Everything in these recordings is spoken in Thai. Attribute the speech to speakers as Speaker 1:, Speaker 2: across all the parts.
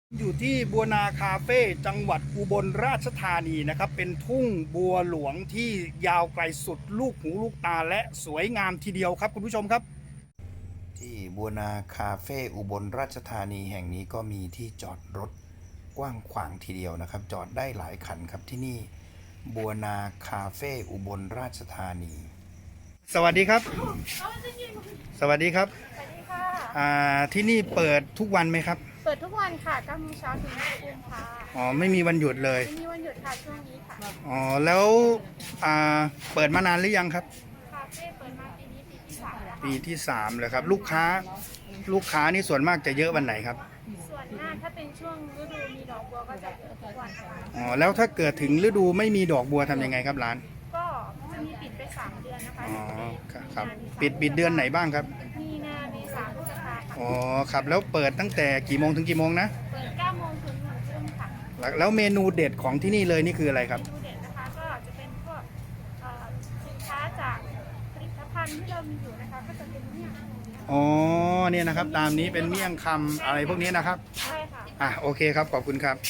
Speaker 1: อยู่ที่บัวนาคาเฟ่จังหวัดอุบลราชธานีนะครับเป็นทุ่งบัวหลวงที่ยาวไกลสุดลูกหูลูกตาและสวยงามทีเดียวครับคุณผู้ชมครับที่บัวนาคาเฟ่อุบลราชธานีแห่งนี้ก็มีที่จอดรถกว้างขวางทีเดียวนะครับจอดได้หลายคันครับที่นี่บัวนาคาเฟ่อุบลราชธานีสวัสดีครับสวัสดีครับ
Speaker 2: สวัสดีค่ะ
Speaker 1: ที่นี่เปิดทุกวันไหมครับ
Speaker 2: เปิดทุกวันค่ะ9 โมงเช้าถึง5 ทุ่มค่ะ
Speaker 1: อ๋อไม่มีวันหยุดเลย
Speaker 2: ไม่มีวันหยุดค่ะช่วงนี้ค่ะ
Speaker 1: อ๋อแล้วเปิดมานานหรือยังครับ
Speaker 2: คาเฟ่เปิดมาปีนี้ปีที่3แล้ว
Speaker 1: ปีที่3เลยครับลูกค้านี่ส่วนมากจะเยอะวันไหนครับ
Speaker 2: ส่วนมากถ้าเป็นช่วงฤดูมีดอกบัวก็จะเยอะทุกวันค่ะ
Speaker 1: อ๋อแล้วถ้าเกิดถึงฤดูไม่มีดอกบัวทำยังไงครับร้าน
Speaker 2: ก็จะมีปิดไป3 เดือนนะคะ
Speaker 1: อ๋อครับปิดเดือนไหนบ้างครับ
Speaker 2: มีนาเมษาพฤษภาค่ะ
Speaker 1: อ๋อครับแล้วเปิดตั้งแต่กี่โมงถึงกี่โมงนะ
Speaker 2: เปิด9 โมงถึง1 ทุ่มค่ะ
Speaker 1: แล้วเมนูเด็ดของที่นี่เลยนี่คืออะไรครับ
Speaker 2: เมนูเด็ดนะคะก็จะเป็นพวกสินค้าจากผลิตภัณฑ์ที่เรามีอยู่นะคะก็จะเป็นเนี่ย
Speaker 1: อ๋อเนี่ยนะครับตามนี้เป็นเมี่ยงคำอะไรพวกนี้นะครับ
Speaker 2: ใช่ค่ะ
Speaker 1: โอเคครับขอบคุณครับ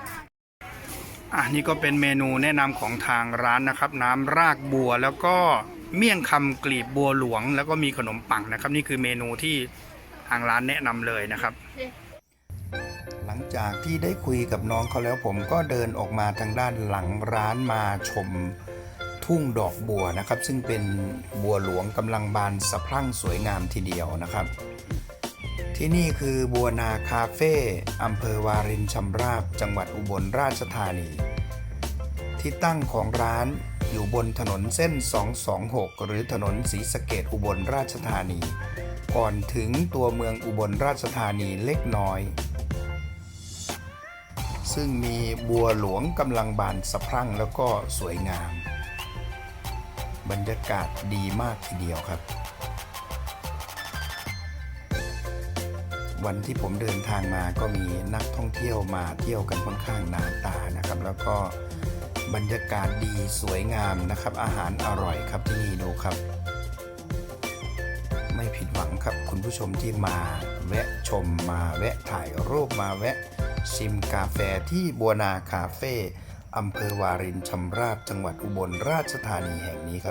Speaker 1: นี่ก็เป็นเมนูแนะนำของทางร้านนะครับน้ำรากบัวแล้วก็เมี่ยงคำกลีบบัวหลวงแล้วก็มีขนมปังนะครับนี่คือเมนูที่ทางร้านแนะนำเลยนะครับหลังจากที่ได้คุยกับน้องเขาแล้วผมก็เดินออกมาทางด้านหลังร้านมาชมทุ่งดอกบัวนะครับซึ่งเป็นบัวหลวงกำลังบานสะพรั่งสวยงามทีเดียวนะครับที่นี่คือบัวนาคาเฟ่อำเภอวารินชำราบจังหวัดอุบลราชธานีที่ตั้งของร้านอยู่บนถนนเส้น226หรือถนนศรีสะเกษอุบลราชธานีก่อนถึงตัวเมืองอุบลราชธานีเล็กน้อยซึ่งมีบัวหลวงกำลังบานสะพรั่งแล้วก็สวยงามบรรยากาศดีมากทีเดียวครับวันที่ผมเดินทางมาก็มีนักท่องเที่ยวมาเที่ยวกันค่อนข้างหนาตานะครับแล้วก็บรรยากาศดีสวยงามนะครับอาหารอร่อยครับที่นี่ดูครับไม่ผิดหวังครับคุณผู้ชมที่มาแวะชมมาแวะถ่ายรูปมาแวะชิมกาแฟที่บัวนาคาเฟ่อำเภอวารินชำราบจังหวัดอุบลราชธานีแห่งนี้ครับ